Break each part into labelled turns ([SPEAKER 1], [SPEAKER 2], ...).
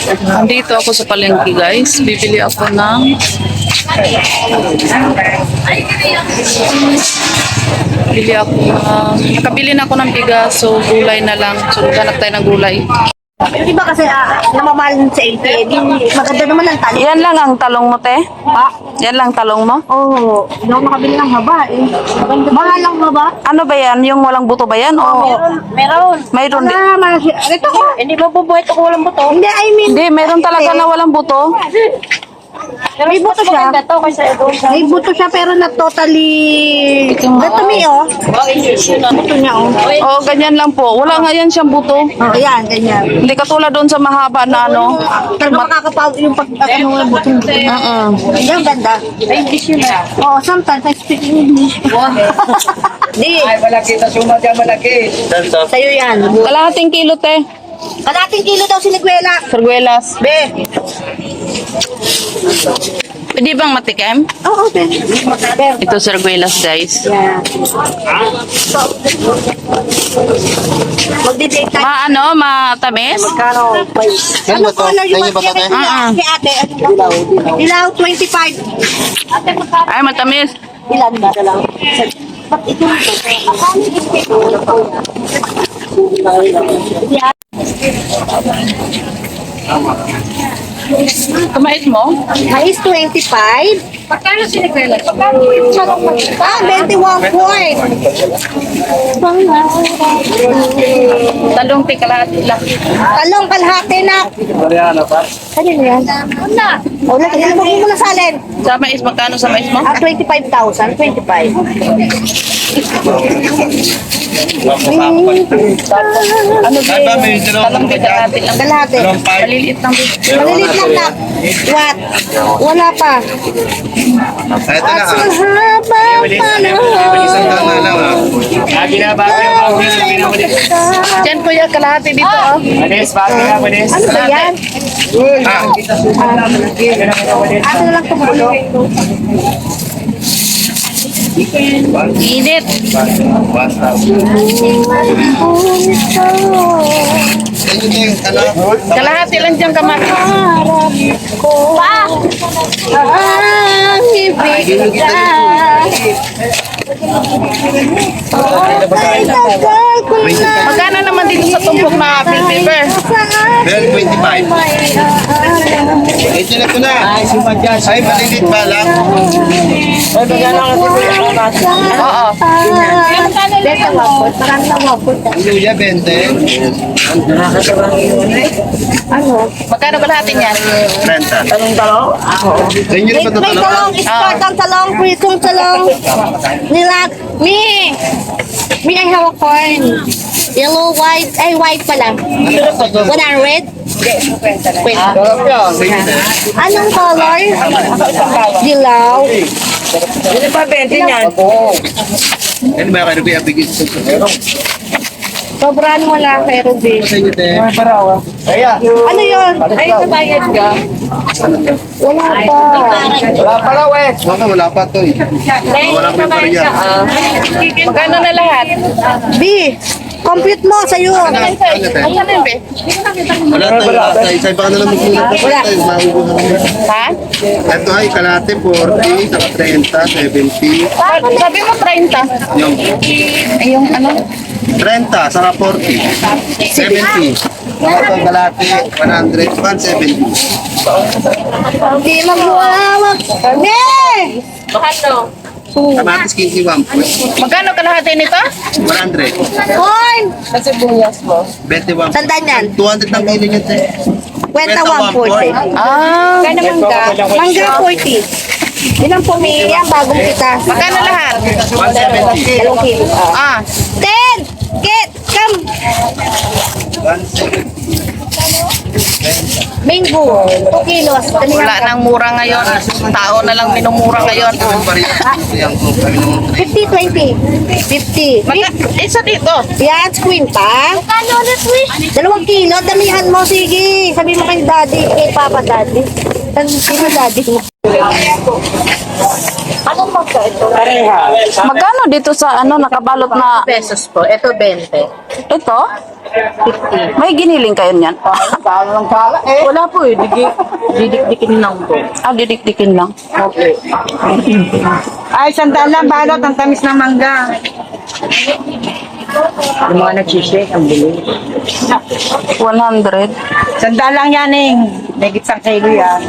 [SPEAKER 1] Nandito ako sa palengke guys. Bibili ako ng nakabili na ako ng bigas, so gulay na lang. So hanap tayo ng gulay.
[SPEAKER 2] Di ba kasi namamahal sa LP, maganda naman ang talong.
[SPEAKER 1] Yan lang ang talong mo, te?
[SPEAKER 2] Ha?
[SPEAKER 1] Yan lang talong mo?
[SPEAKER 2] Oo, hindi ako makabili ng haba eh. Mahal lang haba.
[SPEAKER 1] Ano ba yan? Yung walang buto ba yan?
[SPEAKER 2] Meron.
[SPEAKER 1] Mayroon din.
[SPEAKER 2] Ito ko. Hindi ba bubuhay ito kung walang buto? Hindi, I mean.
[SPEAKER 1] Hindi, mayroon talaga na walang buto.
[SPEAKER 2] May buto siya. May buto siya pero na totally... Ito mi oh. Buto niya oh.
[SPEAKER 1] Oh, ganyan lang po. Wala nga yan siyang buto.
[SPEAKER 2] Oh, yan, ganyan.
[SPEAKER 1] Hindi katulad doon sa mahaba na ano.
[SPEAKER 2] Talaga makakapag yung pag ano yung buto. Yung ganda. English yun ah. Oh, sometimes I speak English. Di.
[SPEAKER 3] Ay, malaki. Tasuma dyan, malaki.
[SPEAKER 2] Sa'yo yan.
[SPEAKER 1] Kalahating kilo, te.
[SPEAKER 2] Kalating kilo daw sinigwela.
[SPEAKER 1] Sarguelas.
[SPEAKER 2] Be.
[SPEAKER 1] Pwede bang matikim?
[SPEAKER 2] Oo, okay.
[SPEAKER 1] Ito sarguelas, guys.
[SPEAKER 2] Yeah. Magdi-date tayo.
[SPEAKER 1] Matamis?
[SPEAKER 2] Kano? Ano color yung mag-ibig si ate? Dilaw 25.
[SPEAKER 1] Ay, matamis.
[SPEAKER 2] Ilan ba? Ba't ito?
[SPEAKER 1] Kumait mo?
[SPEAKER 2] Mais 25.
[SPEAKER 1] Pagkano sinigwela?
[SPEAKER 2] 21 point.
[SPEAKER 1] Talong te kalahati lang.
[SPEAKER 2] Talong kalahati na. Kanino yan? Una. Wala, kanino mo muna salin.
[SPEAKER 1] Sa mais, magkano sa mais mo?
[SPEAKER 2] 25,000. 25.
[SPEAKER 1] Ano ba? Talong te kalahati lang.
[SPEAKER 2] Kalahati.
[SPEAKER 1] Maliliit lang.
[SPEAKER 2] Maliliit lang na. What? Wala pa.
[SPEAKER 4] Ito na
[SPEAKER 2] At sa habang panahon.
[SPEAKER 1] Diyan po yung kalahati dito. Oh.
[SPEAKER 2] Ano ba yan? Ano lang tumulo?
[SPEAKER 1] Init. Kalahati lang dyan kamar.
[SPEAKER 2] Pa! Ang ibig na. Ay, tagal ko na.
[SPEAKER 1] Magkano naman dito sa tumpok na bill paper?
[SPEAKER 4] Bell 25. Ito na ito na. Ay, malilit ba lang?
[SPEAKER 1] Oo.
[SPEAKER 2] Beta wapot. Marami na wapot.
[SPEAKER 4] Luya, 20.
[SPEAKER 2] Ano?
[SPEAKER 1] Magkano kalahati niyan?
[SPEAKER 4] 30. Talong-talong? Sa inyo na ba ito
[SPEAKER 2] May
[SPEAKER 4] talong?
[SPEAKER 2] talong, start ang talong, prisong talong. Nilat. Me, I have a corn. Yellow, white, ay white pala. 100? Anong color? Dilaw.
[SPEAKER 3] Hindi pa 20 niyan.
[SPEAKER 4] Ano ba kayo ba bigyan sa ito?
[SPEAKER 2] Sobrang wala kay Ruby.
[SPEAKER 4] Sa inyo, te.
[SPEAKER 2] Ano yun? Ay, nabayad ka? Wala pa.
[SPEAKER 3] Wala pa raw eh.
[SPEAKER 4] Wala pa ito eh. Wala pa yung pariya.
[SPEAKER 1] Magkano na lahat?
[SPEAKER 2] B, compute mo sa'yo.
[SPEAKER 4] Ano, te?
[SPEAKER 1] Ano na be?
[SPEAKER 4] Wala tayo. Isa pa ka na lang magkulat.
[SPEAKER 2] Wala.
[SPEAKER 4] Mauubuhan mo.
[SPEAKER 1] Ha?
[SPEAKER 4] Ito ay kalate 40, saka 30, 70.
[SPEAKER 1] Sabi mo 30.
[SPEAKER 4] Yung
[SPEAKER 1] Ay, yung ano?
[SPEAKER 4] 30, saka 40. 70. Ito kalate 100, 170.
[SPEAKER 2] Hindi magwawag. Ne!
[SPEAKER 1] Mahal no?
[SPEAKER 4] Kamatis 15, 1
[SPEAKER 1] Magkano kalahati nito?
[SPEAKER 4] 100.
[SPEAKER 2] Corn!
[SPEAKER 1] Kasi buyas mo.
[SPEAKER 4] 21.
[SPEAKER 2] Sandaan yan.
[SPEAKER 4] 200 ng kilo niya, te.
[SPEAKER 2] Kwenta 140.
[SPEAKER 1] Ah.
[SPEAKER 2] Kaya mangga. Mangga 40. Ilang pumili yan bagong kita.
[SPEAKER 1] Magkano lahat?
[SPEAKER 4] 170.
[SPEAKER 2] 2 kilo.
[SPEAKER 1] Ah.
[SPEAKER 2] 10! Get! Come! Mango. 2 kilos.
[SPEAKER 1] Wala nang mura ngayon. Tao na lang minumura ngayon.
[SPEAKER 2] 50, 20. 50.
[SPEAKER 1] Isa dito.
[SPEAKER 2] Yan, queen pa. Kano na, 2 kilo. Damihan mo, sige. Sabi mo kay daddy, kay papa daddy. Sino daddy mo? Anong magka ito?
[SPEAKER 1] Magkano dito sa ano nakabalot na
[SPEAKER 2] Pesos po. Ito 20.
[SPEAKER 1] ito? May giniling kayo niyan?
[SPEAKER 2] Wala po eh. Didikdikin lang po.
[SPEAKER 1] Ah, didikdikin lang.
[SPEAKER 3] Ay, sandaan lang, balot. Ang tamis ng mangga. Yung mga nag-shake, ang bilis.
[SPEAKER 1] 100.
[SPEAKER 3] Sandaan lang yan, eh. May gitsang kilo yan.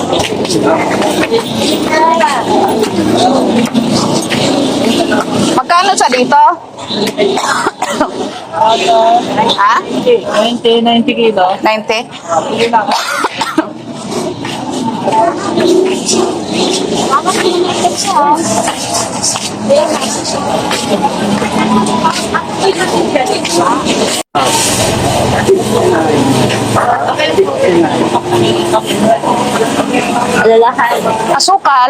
[SPEAKER 1] Magkano sa dito? Ha?
[SPEAKER 3] 90 kilo.
[SPEAKER 1] 90?
[SPEAKER 2] Alalahan.
[SPEAKER 1] Asukal?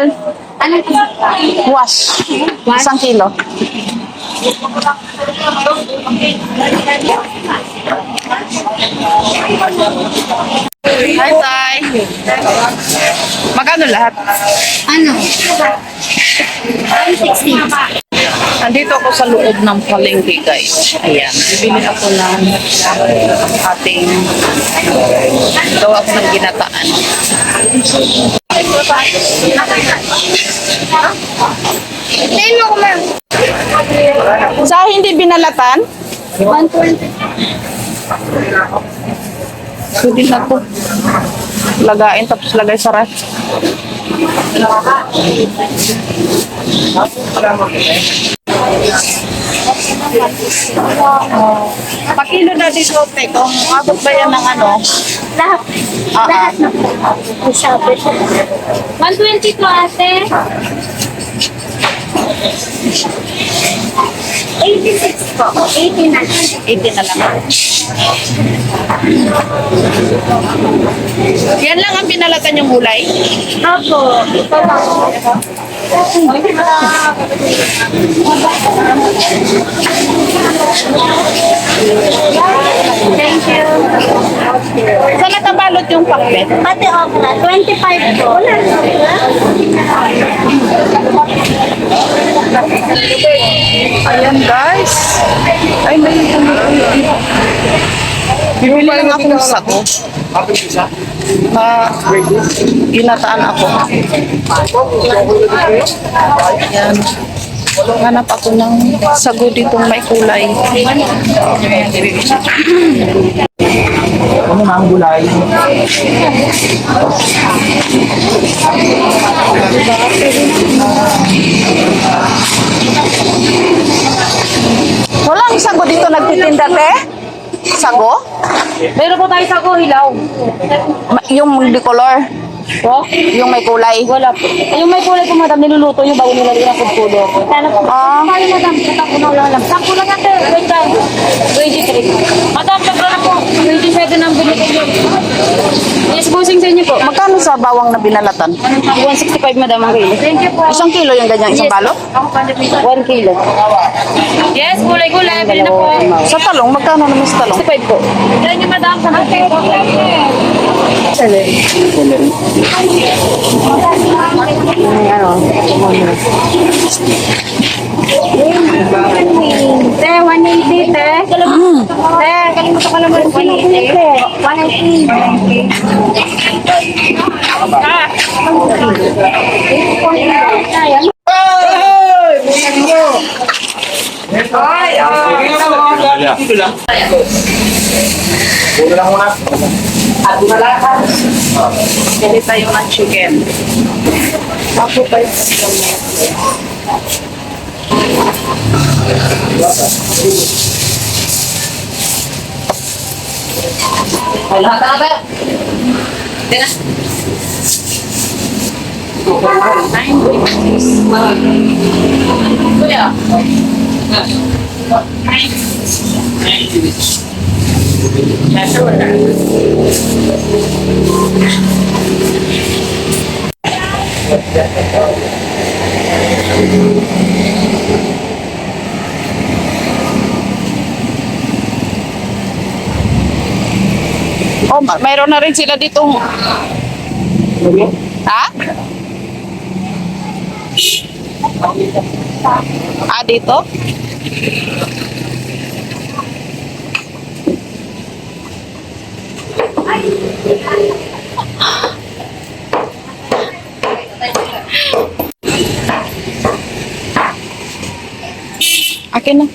[SPEAKER 1] Wash. 1 kilo. Hi, Tay. Magkano lahat?
[SPEAKER 2] Ano? 160.
[SPEAKER 1] Nandito ako sa loob ng palengke, guys. Ayan. Bibili ako ng ating gawa ko ng ginataan.
[SPEAKER 2] Tingnan mo, ma'am.
[SPEAKER 1] Sa hindi binalatan,
[SPEAKER 2] 120.
[SPEAKER 1] pwede na po. Lagain tapos lagay sa ref. Pakilo na dito, te. Kung abot ba yan ng ano?
[SPEAKER 2] Lahat. Lahat na po. Sabi ko. 120 to ate. 86 po. 80 na.
[SPEAKER 1] 80 na lang. Yan lang ang binalatan yung gulay.
[SPEAKER 2] Opo. Ito lang. Thank you.
[SPEAKER 1] Saan natabalot yung pakbet?
[SPEAKER 2] Pati okra, 25 po.
[SPEAKER 1] Ayan, guys. Ay, may bibili lang akong sago. Na ginataan ako. Ayan. Hanap ako ng sago ditong may kulay.
[SPEAKER 3] Ano na ang gulay?
[SPEAKER 1] Walang sago dito nagtitinda, te? Sago?
[SPEAKER 2] Meron po tayo sago, hilaw.
[SPEAKER 1] Yung bicolor.
[SPEAKER 2] Po?
[SPEAKER 1] Yung may kulay.
[SPEAKER 2] Wala po. Yung may kulay po, madam, niluluto nyo bago nilalagyan ng food color. Sana po.
[SPEAKER 1] Ah.
[SPEAKER 2] Tayo, madam. Tatak ko na lang. Sampo lang natin. Wait lang. 23. Madam, sabra na po. 27 ang binigay nyo. Yes, bossing sa inyo po.
[SPEAKER 1] Magkano sa bawang na binalatan?
[SPEAKER 2] 165, madam, ang kilo. Thank you po.
[SPEAKER 1] 1 kilo yung ganyan, isang balot?
[SPEAKER 2] 1 kilo. Yes, gulay-gulay. Bili na po.
[SPEAKER 1] Sa talong, magkano naman sa talong?
[SPEAKER 2] 65 po. Thank you, madam. Sa po. Te, 180, te. Te, kalimutan ka naman 180. 180.
[SPEAKER 1] Pili tayo ng chicken. Ako pa yung wala ka ba? Tira. Kuya. Oh, mayroon na rin sila ditong Ha? Ah, dito? Akin na.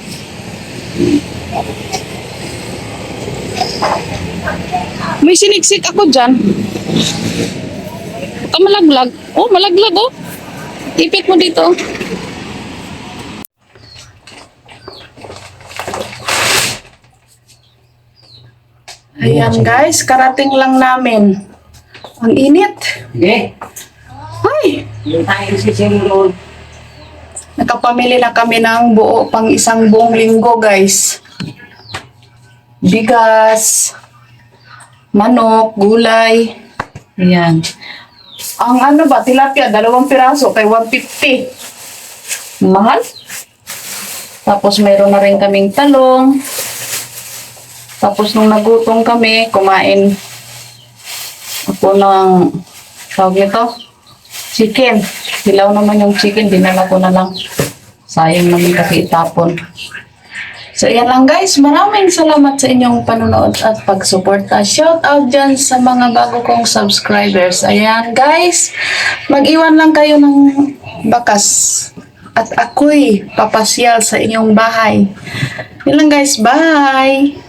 [SPEAKER 1] May siniksik ako dyan. Ito malaglag. Oh, malaglag oh. Ipit mo dito. Ayan guys, karating lang namin. Ang init. Ay, nakapamili na kami ng buo pang isang buong linggo guys. Bigas, manok, gulay. Ayan. Ang ano ba, tilapia, 2 piraso kay 150. Mahal. Tapos mayroon na rin kaming talong. Tapos nung nagutom kami, kumain ako ng tawag nito, chicken. Hilaw naman yung chicken, dinala ko na lang. Sayang naman kasi itapon. So, yan lang guys. Maraming salamat sa inyong panonood at pagsuporta. Shout out dyan sa mga bago kong subscribers. Ayan guys, mag-iwan lang kayo ng bakas. At ako'y papasyal sa inyong bahay. Yan lang guys. Bye!